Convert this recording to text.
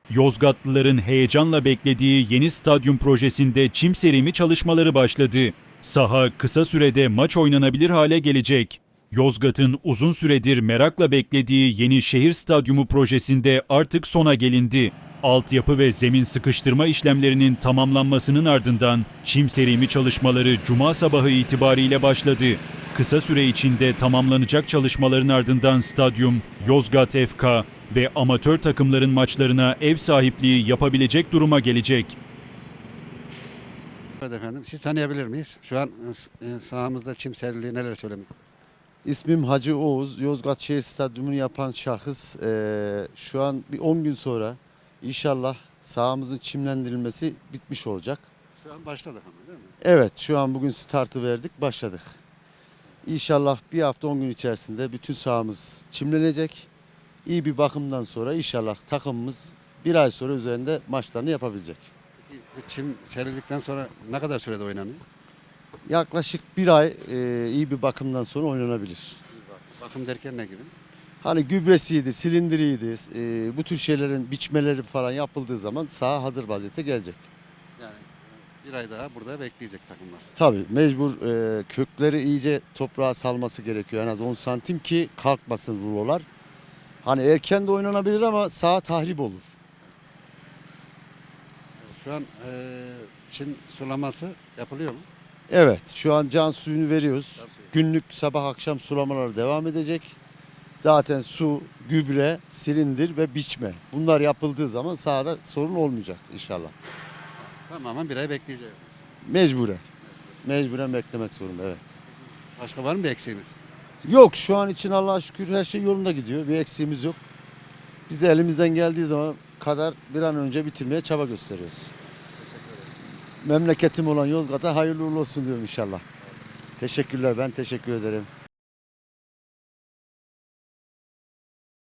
Yozgatlıların heyecanla beklediği yeni stadyum projesinde çim serimi çalışmaları başladı. Saha kısa sürede maç oynanabilir hale gelecek. Yozgat'ın uzun süredir merakla beklediği yeni şehir stadyumu projesinde artık sona gelindi. Altyapı ve zemin sıkıştırma işlemlerinin tamamlanmasının ardından çim serimi çalışmaları Cuma sabahı itibariyle başladı. Kısa süre içinde tamamlanacak çalışmaların ardından stadyum, Yozgat FK ve amatör takımların maçlarına ev sahipliği yapabilecek duruma gelecek. Evet efendim, siz tanıyabilir miyiz? Şu an sahamızda çim seriliği neler söylemek? İsmim Hacı Oğuz. Yozgat Şehir Stadyumu'nu yapan şahıs. Şu an bir 10 gün sonra inşallah sahamızın çimlendirilmesi bitmiş olacak. Şu an başladık ama değil mi? Evet, şu an bugün startı verdik, başladık. İnşallah bir hafta 10 gün içerisinde bütün sahamız çimlenecek. İyi bir bakımdan sonra inşallah takımımız bir ay sonra üzerinde maçlarını yapabilecek. Peki bu çim serildikten sonra ne kadar sürede oynanıyor? Yaklaşık bir ay iyi bir bakımdan sonra oynanabilir. Bakım derken ne gibi? Hani gübresiydi, silindiriydi, bu tür şeylerin biçmeleri falan yapıldığı zaman saha hazır vaziyete gelecek. Yani bir ay daha burada bekleyecek takımlar. Tabii mecbur kökleri iyice toprağa salması gerekiyor. En az 10 santim ki kalkmasın rulolar. Hani erken de oynanabilir ama saha tahrip olur. Şu an çim sulaması yapılıyor mu? Evet, şu an can suyunu veriyoruz. Günlük sabah akşam sulamaları devam edecek. Zaten su, gübre, silindir ve biçme. Bunlar yapıldığı zaman sahada sorun olmayacak inşallah. Tamamen bir ay bekleyeceğiz. Mecburen. Mecburen beklemek zorunda, evet. Başka var mı bir eksiğimiz? Yok, şu an için Allah'a şükür her şey yolunda gidiyor. Bir eksiğimiz yok. Biz de elimizden geldiği zaman kadar bir an önce bitirmeye çaba gösteriyoruz. Memleketim olan Yozgat'a hayırlı uğurlu olsun diyorum inşallah. Teşekkürler, ben teşekkür ederim.